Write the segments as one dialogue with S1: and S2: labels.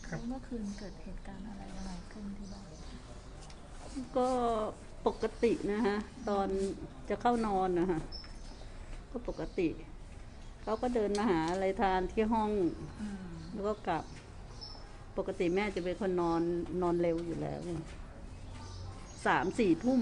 S1: เมื่อคืนเกิดเหตุการณ์อะไรยังไงขึ้นที่บ้าน
S2: ก็ปกตินะฮะตอนจะเข้านอนนะคะก็ปกติเขาก็เดินมาหาอะไรทานที่ห้องแล้วก็กลับปกติแม่จะเป็นคนนอนเร็วอยู่แล้ว3-4 ทุ่ม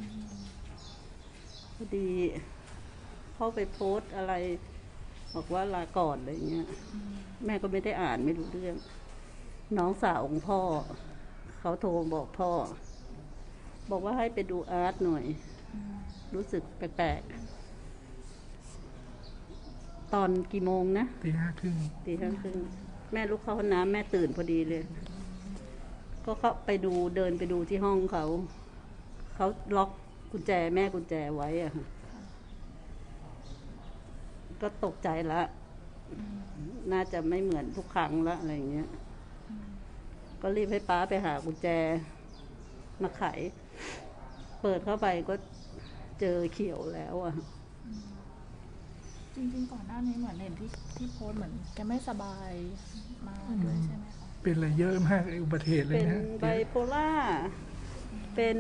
S2: พอดีเขาไปโพสต์อะไรบอกว่าลาก่อนอะไรเงี้ยแม่ก็ไม่ได้อ่านไม่รู้เรื่องน้องสาวของพ่อเขาโทรบอกพ่อบอกว่าให้ไปดูอาร์ตหน่อยรู้สึกแปลกๆตอนกี่โมงนะตี 5 ครึ่งแม่ลุกเข้าห้องน้ำแม่ตื่นพอดีเลยก็เข้าไปดูเดินไปดูที่ห้องเขาล็อกกุญแจแม่กุญแจไว้อะก็ตกใจละน่าจะไม่เหมือนทุกครั้งละอะไรอย่างเงี้ยก็รีบให้ป้าไปหากุญแจมาไขเปิดเข้าไปก็เจอเขียวแล้วอะ
S1: จริงๆก่อนหน้านี้เหมือนเห็นที่โพสเหมือนแกไม่สบายมาด้วยใช่ไหมคะ
S3: เป็นอะไรเยอะมากอุบัติเหตุเลยนะ
S2: เป็นไบโพล่าเป็น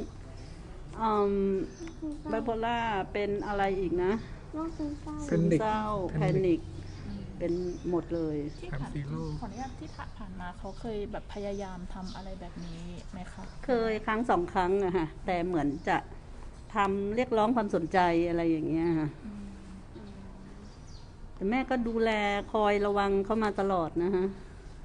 S2: ไบโพล่าเป็นอะไรอีกนะซึมเศร้าแพนิคเป็นหมดเลย
S1: ที่ผ่านขออนุญาตที่ผ่านมาเขาเคยแบบพยายามทำอะไรแบบนี้ไหมคะ
S2: เคย1-2 ครั้งอะค่ะแต่เหมือนจะทำเรียกร้องความสนใจอะไรอย่างเงี้ยค่ะแต่แม่ก็ดูแลคอยระวังเขามาตลอดนะฮะ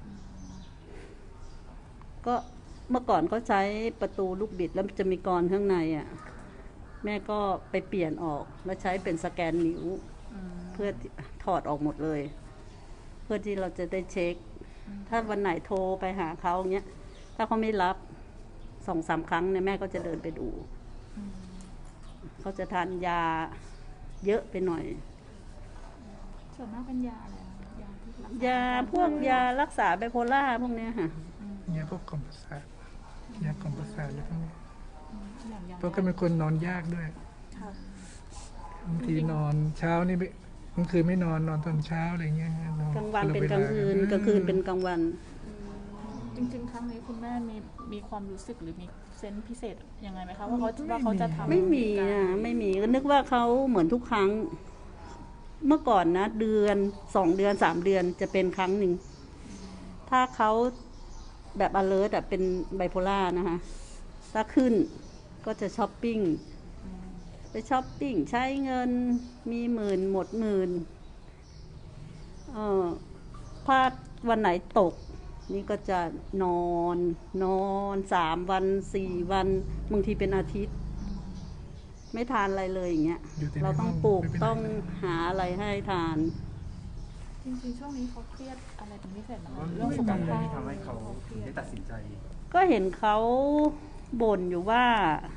S2: ก็เมื่อก่อนเขาใช้ประตูลูกบิดแล้วจะมีกรข้างในอ่ะแม่ก็ไปเปลี่ยนออกแล้วใช้เป็นสแกนนิ้วเพื่อถอดออกหมดเลยเพื่อที่เราจะได้เช็คถ้าวันไหนโทรไปหาเขาเงี้ยถ้าเขาไม่รับ2-3 ครั้งเนี่ยแม่ก็จะเดินไปดูเขาจะทานยาเยอะไปหน่อย
S1: ส่วนมากเป็นยาอะไร
S2: ยาพวกยารักษาไบโพล่าพวกเนี้ยค่ะ
S3: ยาพวกกล่อมประสาทยากล่อมประสาทอะไรพวกนี้เพราะก็เป็นคนนอนยากด้วยบางทีนอนเช้านี่บางคืนไม่นอนตอนเช้าอะไรเงี้ย
S2: กลางวันเป็นกลางคืนกลางคืนเป็นกลางวัน
S1: จริงๆครั้งนี้คุณแม่มีความรู้สึกหรือมีเซนส์พิเศษยังไงไหมคะว่าเขาจะทำ
S2: ไม่มีอ่ะไม่มีก็นึกว่าเขาเหมือนทุกครั้งเมื่อก่อนนะเดือน2 เดือน3 เดือนจะเป็นครั้งหนึ่งถ้าเขาแบบ alert อ่ะเป็นไบโพล่านะคะถ้าขึ้นก็จะช้อปปิ้งไปช้อปปิ้งใช้เงินมีหมื่นหมดหมื่นพลาดวันไหนตกนี่ก็จะนอน3 วัน4 วันบางทีเป็นอาทิตย์ไม่ทานอะไรเลยอย่างเงี้ยเราต้องปลูกต้องหาอะไรให้ทาน
S1: จริงๆช่วงนี้เขาเครียดอะไรเป็นพิเศษไหมเรื่องสุขภาพ
S4: ที่ทำให้เขาได้ตัดสินใจ
S2: ก็เห็นเขาบ่นอยู่ว่า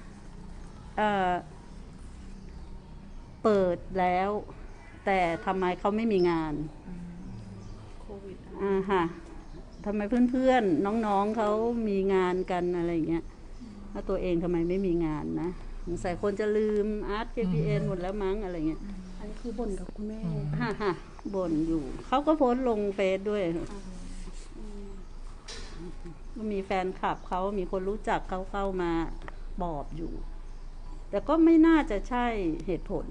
S2: เปิดแล้วแต่ทำไมเขาไม่มีงาน
S1: โควิด
S2: ค่ะทำไมเพื่อนๆน้องๆเขามีงานกันอะไรอย่างเงี้ยแล้วตัวเองทำไมไม่มีงานนะสงสัยคนจะลืมอาร์ต JPN หมดแล้วมั้งอะไรเงี้ย
S1: อันนี้คือบ่นกับคุณแม่
S2: ค่ะบ่นอยู่เขาก็โพสต์ลงเฟซด้วยก็มีแฟนคลับเขามีคนรู้จักเขาเข้ามาบอบอยู่แต่ก็ไม่น่าจะใช่เหตุผล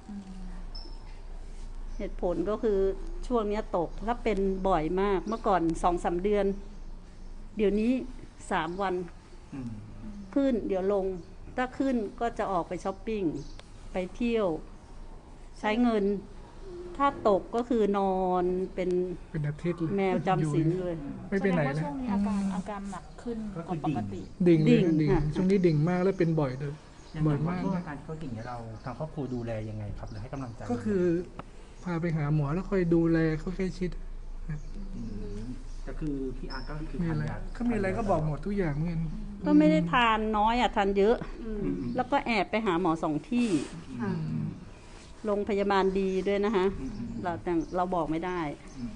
S2: ก็คือช่วงนี้ตกถ้าเป็นบ่อยมากเมื่อก่อน2-3 เดือนเดี๋ยวนี้3 วันขึ้นเดี๋ยวลงถ้าขึ้นก็จะออกไปช้อปปิ้งไปเที่ยวใช้เงินถ้าตกก็คือนอนเป็น
S3: อาทิตย์
S2: แมวจำศีลเลย
S3: ไม่ไปไหน
S1: เลยช่วงนี้อาการหนักขึ้นกว่าปกติ
S3: ดิ่งช่วงนี้ดิ่งมากแล้วเป็นบ่อยเลยบ่อยมาก
S4: อาการเขาดิ่งเนี่ยเราทางครอบครัวดูแลยังไงครับหรือให้กำลังใจ
S3: ก็คือพาไปหาหมอแล้วค่อยดูแลเขาใกล้ชิด
S4: ก็คือพี่อาร์ก็คือ
S3: มีอะไรก็บอกหมดทุกอย่างเหมือน
S2: ก็ไม่ได้ทานน้อยทานเยอะแล้วก็แอบไปหาหมอ2 ที่โรงพยาบาลดีด้วยนะคะเราบอกไม่ได้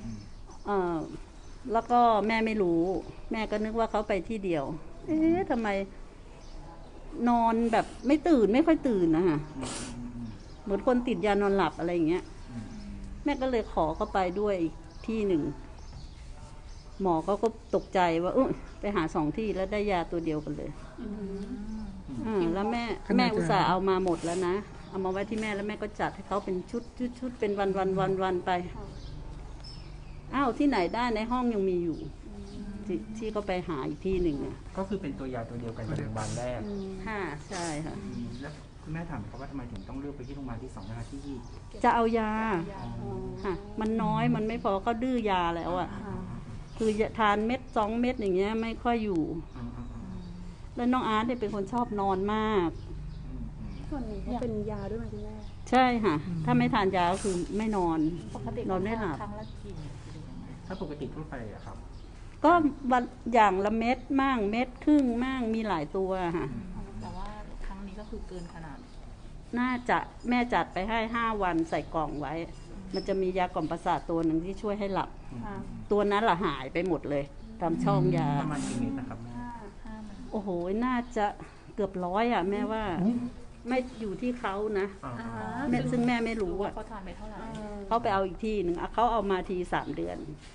S2: แล้วก็แม่ไม่รู้แม่ก็นึกว่าเขาไปที่เดียวทำไมนอนแบบไม่ตื่นไม่ค่อยตื่นนะคะเหมือนคนติดยานอนหลับอะไรอย่างเงี้ยแม่ก็เลยขอเข้าไปด้วยอีกที่หนึ่งหมอเขาก็ตกใจว่าไปหา2 ที่แล้วได้ยาตัวเดียวกันเลยแล้วแม่อุตส่าห์เอามาหมดแล้วนะเอามาไว้ที่แม่แล้วแม่ก็จัดให้เขาเป็นชุดเป็นวันไปอ้าวที่ไหนได้ในห้องยังมีอยู่ที่ก็ไปหาอีกที่หนึ่ง
S4: ก็คือเป็นตัวยาตัวเดียวกันกับโรงพยาบาลแรก
S2: ค่ะใช่ค่ะ
S4: แล้วคุณแม่ถามเขาว่าทำไมถึงต้องเลือกไปที่โรงพยาบาลที่2นะคะที่
S2: จะเอายาค่ะมันน้อยมันไม่พอก็ดื้อยาแล้วอ่ะคือทานเม็ด2 เม็ดอย่างเงี้ยไม่ค่อยอยู่แล้วน้องอาร์ตเนี่ยเป็นคนชอบนอนมาก
S5: ส่วนหนึ่งก็เป็นยาด้วยไหมคุณแม่
S2: ใช่ค่ะ ถ้าไม่ทานยาก็คือไม่นอน
S1: ปกติ
S2: นอนไม่หลับ
S1: ครั้งละกี่หรือยังไง
S4: ถ้าปกติทั่วไปอะครับ
S2: ก็วันอย่างละเม็ดมั่งเม็ดครึ่งมั่งมีหลายตัวค่ะ
S1: แต่ว่าครั้งนี้ก็คือเกินขนาด
S2: น่าจะแม่จัดไปให้5 วันใส่กล่องไว้ มันจะมียากล่อมประสาทตัวหนึ่งที่ช่วยให้หลับ ตัวนั้นละหายไปหมดเลยตามช่องยา
S4: ประมาณกี่เมตรนะครับแม่
S1: 5 มัน
S2: โอ้โหน่าจะเกือบ100อ่ะแม่ว่าไม่อยู่ที่เขานะแม่ซึ่งแม่ไม่รู้
S1: ว่า
S2: อ่ะ
S1: เขาทานไปเท่าไหร่
S2: เขาไปเอาอีกที่หนึ่งเขาเอามาที3 เดือน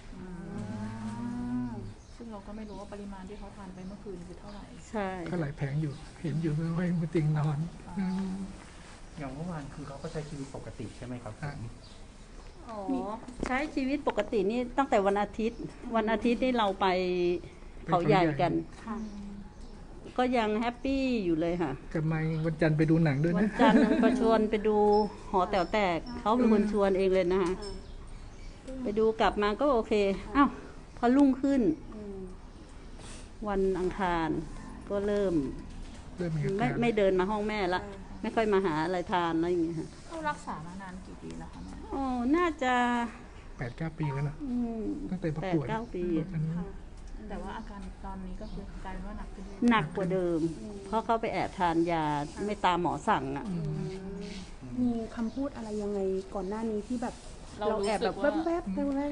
S1: ซึ่งเราก็ไม่รู้ว่าปริมาณที่เขาทานไปเมื่อคืนคือเท่าไหร่
S2: ใช่
S3: ก็หลายแผงอยู่ เห็นอยู่ไม่มาติงนอนม
S4: อย่างเมื่อวานคือเขาก็ใช้ชีวิตปกติใช่ไหมครับผม
S2: อ๋อใช้ชีวิตปกตินี่ตั้งแต่วันอาทิตย์นี่เราไปเขาใหญ่กัน ก็ยังแฮปปี้อยู่เลยค่ะ
S3: กลับมาวันจันทร์ไปดูหนังด้วย
S2: วัน
S3: นะ
S2: จันทร์ประชวนไปดูหอแต๋วแตกเขาเป็นคนชวนเองเลยนะคะไปดูกลับมาก็โอเคอ้าวพอรุ่งขึ้น วันอังคารก็เริ่ม
S3: เริ่มมีอา
S2: ไม่
S3: การ
S2: ไม่เดินมาห้องแม่ละไม่ค่อยมาหาอะไรทานอะไรอย่างเงี้ยค่ะ
S1: เขารักษามานานกี่ปีแล้วคะแม่
S2: โอ้น่าจะ
S3: 8-9 ปีแล้วนะ
S2: ม
S3: ตั้งแต่ประกวด
S2: 8-9 ปี
S3: อันนี้
S1: แต่ว่าอาการตอนนี้ก็คือกลายเป็นว่าหนักขึ้น
S2: หนักกว่าเดิม เพราะเขาไปแอบทานยาไม่ตามหมอสั่งอ่ะ
S5: มีคำพูดอะไรยังไงก่อนหน้านี้ที่แบบ
S1: เรา
S5: เรา
S1: รู้
S5: แอบ
S1: สึ
S5: แบ
S1: ก
S5: บ
S1: ว่า
S5: แวบๆไปเลย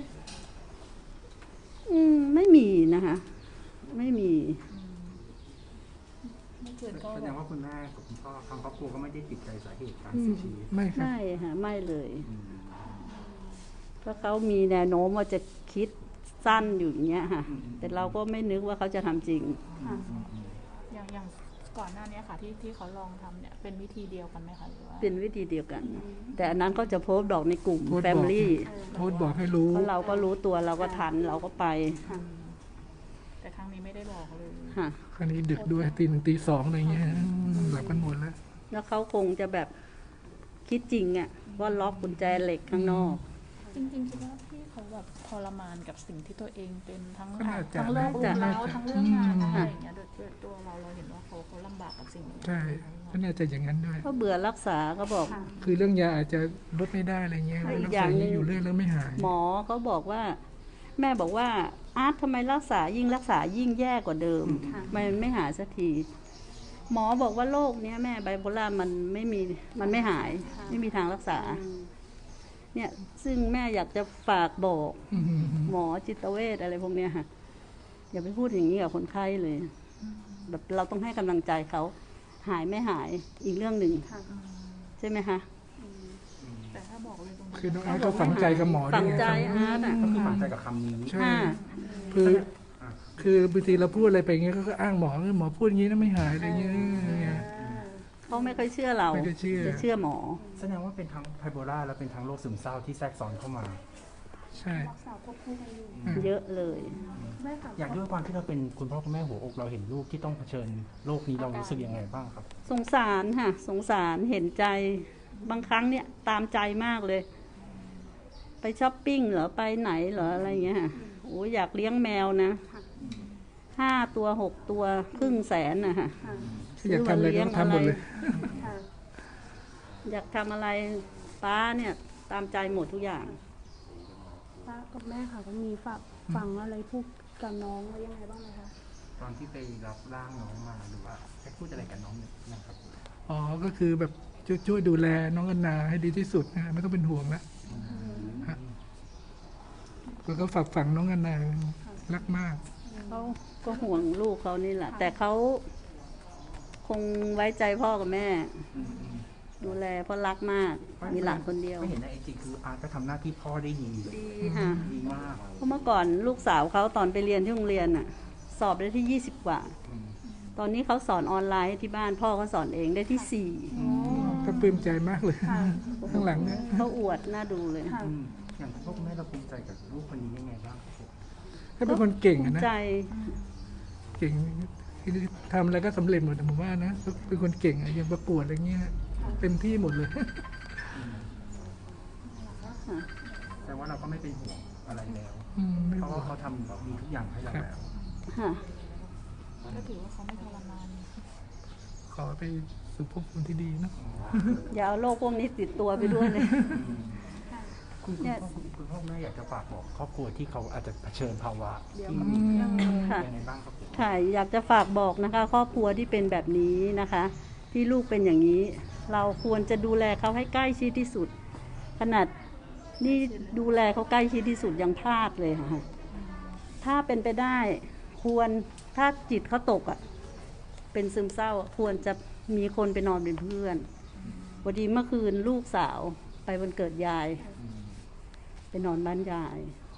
S2: ไม่มีนะคะ ไม่มี
S1: ไม่เกินก็
S4: แสด
S1: แบ
S4: ง
S1: บ
S4: ว่าคุณแม่กับคุณพ่อทางครอบครัวก็ไม่ได้ติดใจสาเหตุการเสียชีวิต
S3: ไม่ครับ
S2: ไม่ค่ะไม่เลย
S4: อืม
S2: เพราะเขามีแนวโน้มว่าจะคิดสั้นอยู่อย่างเงี้ยค่ะ แต่เราก็ไม่นึกว่าเขาจะทำจริง
S1: อย่างก่อนหน้านี้ค่ะที่เขาลองทำเนี่ยเป็นวิธีเดียวกันไหมคะหรือว่า
S2: เป็นวิธีเดียวกัน แต่อันนั้นก็จะโพสต์บอกในกลุ่ม
S3: โพสต์
S2: แฟ
S3: บอก
S2: มิลี่
S3: โพสต์บอกให้รู้
S2: เพราะเราก็รู้ตัวเราก็ทันเราก็ไป
S1: แต่ครั้งนี้ไม่ได้บอกเลย
S2: ค่ะ
S3: คราวนี้ดึกด้วยตี 1 ตี 2อะไรเงี้ยหลับกันหมดแล้ว
S2: แล้วเขาคงจะแบบคิดจริงอ่ะว่าล็อกกุญแจเหล็กข้างนอก
S1: จริงๆคิดว่าพี่เขาแบบทรมานกับสิ่งที่ตัวเองเป็นทั้ง
S3: ก็น่าจะ
S1: ทั้งเรื่อง
S2: น่าจะ
S1: รูปแล้วทั้งเรื่องงาน
S3: อืม
S1: อะไรอย่างเงี้ยโดยตัวเราเห็นว่าเขาลำบากกับสิ่งนี้
S3: ใช่ก็น่าจะอย่างนั้นด้วย
S2: ก็เบื่อรักษาก็บอก
S3: คือเรื่องยาอาจจะลดไม่ได้อะไรเงี้ย
S2: อีก
S3: รัก
S2: อย่า
S3: ษาง
S2: หนึ่ง
S3: อยู่เรื่อยแล้วไม่หาย
S2: หมอเขาบอกว่า แม่บอกว่าอาร์ตทำไมรักษายิ่งแย่กว่าเดิมมันไม่หายสักที หมอบอกว่าโรคเนี้ยแม่ไบโพล่ามันไม่หาย ไม่มีทางรักษา เนี่ยซึ่งแม่อยากจะฝากบอก
S3: อืม
S2: หมอจิตเวชอะไรพวกเนี้ยค่ะ อย่าไปพูดอย่างนี้กับคนไข้เลย แบบเราต้องให้กำลังใจเขาหายไม่หายอีกเรื่องหนึ่งใช่ไหมคะ
S1: แต่ถ้าบอกเลยตรงนี้
S3: คือน้องอาร์ตก็ฝังใจกับหมอด้
S2: ฝั
S3: ว
S2: ง
S3: ย
S2: ใจ
S3: ครับ
S2: อาร์ตอ่ะ
S4: ก็คือฝังใจกับคำนี้
S3: ใช่
S2: ค่ะ
S3: คือบางทีเราพูดอะไรไปอย่างเงี้ยเขาก็อ้างหมอหมอพูดอย่างนี้นะไม่หายอะไรเงี้ย
S2: เขาไม่ค่อยเชื่อเรา
S3: ไม่ค่อยเชื่อ
S2: จะเชื่อหมอ
S4: แสดงว่าเป็นทั้งไบโพล่าและเป็นทั้งโรคซึมเศร้าที่แทรกซ้อนเข้ามา
S3: ใช่
S5: รักษาควบคู่กันอยู่
S2: เยอะเลย
S5: แม่ค่ะ
S4: อย่างด้วยความที่เราเป็นคุณพ่อคุณแม่หัวอกเราเห็นลูกที่ต้องเผชิญโรคนี้เรารู้สึกยังไงบ้างครับ
S2: สงสารค่ะ สงสารเห็นใจบางครั้งเนี่ยตามใจมากเลย ไปช้อปปิ้งเหรอไปไหนเหรออะไรเงี้ยค่ะโอ้อยากเลี้ยงแมวนะ5 ตัว 6 ตัว500,000นะค่ะ
S3: อยากทำอะไรก็ทำหมดเลย
S5: ค่ะ
S2: อยากทำอะไรป้าเนี่ยตามใจหมดทุกอย่าง
S5: ป้ากับแม่ค่ะก็มีฝากฟังอะไรพูดกับน้องไว้ยังไงบ้างไหมคะ
S4: ตอนที่ไปรับร่างน้องมาหรือว่าได้พูดอะไรกับน้องเนี่ยนะครับ
S3: อ๋อ ก็คือแบบช่วยดูแลน้องอนนาให้ดีที่สุดนะไม่ต้องเป็นห่วงนะฮะแล้วก็ฝากฝังน้องอนนารักมาก
S2: เขาก็ห่วงลูกเขานี่แหละ แต่เขาคงไว้ใจพ่อกับแม่ ดูแลเพราะรักมาก มีหลานคนเดียว
S4: ก็เห็นในไอจีคืออาร์ตก็ทำหน้าที่พ่อได้ดี
S2: ดีค่ะ
S4: ดีมาก
S2: เพราะเมื่อก่อนลูกสาวเขาตอนไปเรียนที่โรงเรียนน่ะ สอบได้ที่ 20 กว่า ตอนนี้เขาสอนออนไลน์ที่บ้านพ่อเขาสอนเองได้ที่
S3: ก็ปลื้มใจมากเลย ข้างหลังเนี่ย
S2: 4เขาอวดน่าดูเลย
S5: ค่ะ
S4: อย่างพ่อคุณแม่เราภูมิใจกับลูกคนนี้ยังไงบ้างครับผม
S3: ถ้าเป็นคนเก่ง
S2: ภู
S3: อะ
S2: มิ
S3: นะ
S2: ใจ
S3: เก่งทำอะไรก็สำเร็จหมดอะผมว่านะเป็นคนเก่งอะอย่างประกวดอะไรเงี้ยเต็มที่หมดเลย
S4: แต่ว่าเราก็ไม่เป็นห่วงอะไรแล้ว
S3: ไม่
S4: เพราะ
S3: ห่ว
S4: ว่าง เขาทำแบบดีทุกอย่างให้เราแล้ว
S2: ค่ะ
S1: ก็ถือว่าเขาไม่ทรมาน
S3: ขอไปสู่ภพภูมิที่ดีเนอะ
S2: อย่าเอาโรคพวกนี้ติดตัวไปด้วยเลย
S4: คุณพ่อคุณแม่อยากจะฝากบอกครอบครัวที่เขาอาจจะเผชิญภาวะที่
S2: ค่ะ
S4: ยังไงบ้างครับผม
S2: ค่ะอยากจะฝากบอกนะคะ ครอบครัวที่เป็นแบบนี้นะคะ ที่ลูกเป็นอย่างนี้ เราควรจะดูแลเขาให้ใกล้ชิดที่สุด ขนาดนี่ดูแลเขาใกล้ชิดที่สุดยังพลาดเลยค่ะถ้าเป็นไปได้ควรถ้าจิตเขาตกอ่ะเป็นซึมเศร้าควรจะมีคนไปนอนเป็นเพื่อนพอดีเมื่อคืนลูกสาวไปวันเกิดยาย ไปนอนบ้านยาย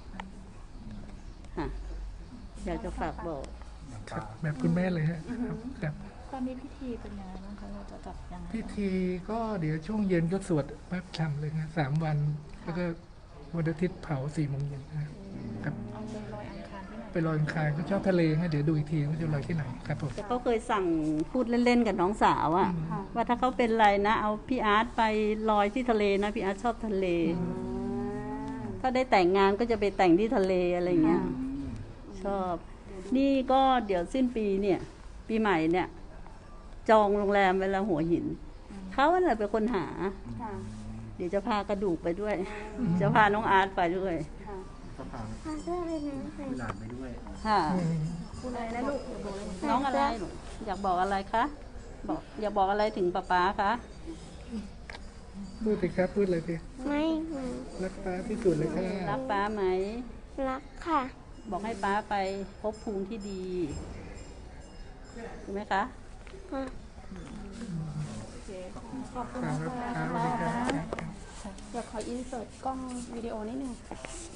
S2: ค่ะอยากจะฝากบอก
S4: อย่าง
S3: ครั
S4: ปา
S3: บแบบคุณแม่เลยฮะครับ
S1: ตอนนี้พิธีเป็นยังไงบ้างคะเราจะจัดยังไง
S3: พิธีก็เดี๋ยวช่วงเย็นก็สวดพระธรรมเลยนะ3 วัน แล้วก็วันอาทิตย์เผา4 โมงเย็นนะครับ
S1: เอาไปลอยอังคารที่ไหน
S3: ไปลอยอังคารก็ชอบทะเลฮะเดี๋ยวดูอีกทีว่าจะลอยที่ไหนครับผม
S2: แต่เขาเคยสั่งพูดเล่นๆกับน้องสาวอะว่าถ้าเขาเป็นไรนะ เอาพี่อาร์ตไปลอยที่ทะเลนะพี่อาร์ตชอบทะเล ถ้าได้แต่งงานก็จะไปแต่งที่ทะเลอะไรเงี้ยชอบ นี่ก็เดี๋ยวสิ้นปีเนี่ย ปีใหม่เนี่ย จองโรงแรมเวแลาหัวหินเขาอะไรเป็นคนหา
S5: ค่ะ
S2: เดี๋ยวจะพากระดูกไปด้วย จะพาน้องอาร์ตไปด้วย
S5: ค่ะ
S4: ก็พาหลานไปด้วย
S2: ค่ะ
S5: คุณอะไรนะลูก
S2: น้องอะไรลูกอยากบอกอะไรคะบอกอยากบอกอะไรถึงป๊าป๊าคะ
S3: พูดสิครับพูดเลยสิ
S6: ไม่ค่ะ
S3: รักป้าที่สุดเลยค่ะ
S2: รักป๊าไหม
S6: รักค่ะ
S2: บอกให้ป๊าไปพบภูมิที่ดีถูกไหมคะ
S6: ค่ะ
S3: ครับครับสวัสดีครับ
S5: เดี๋ยวขออินเสิร์ตกล้องวิดีโอนิดนึง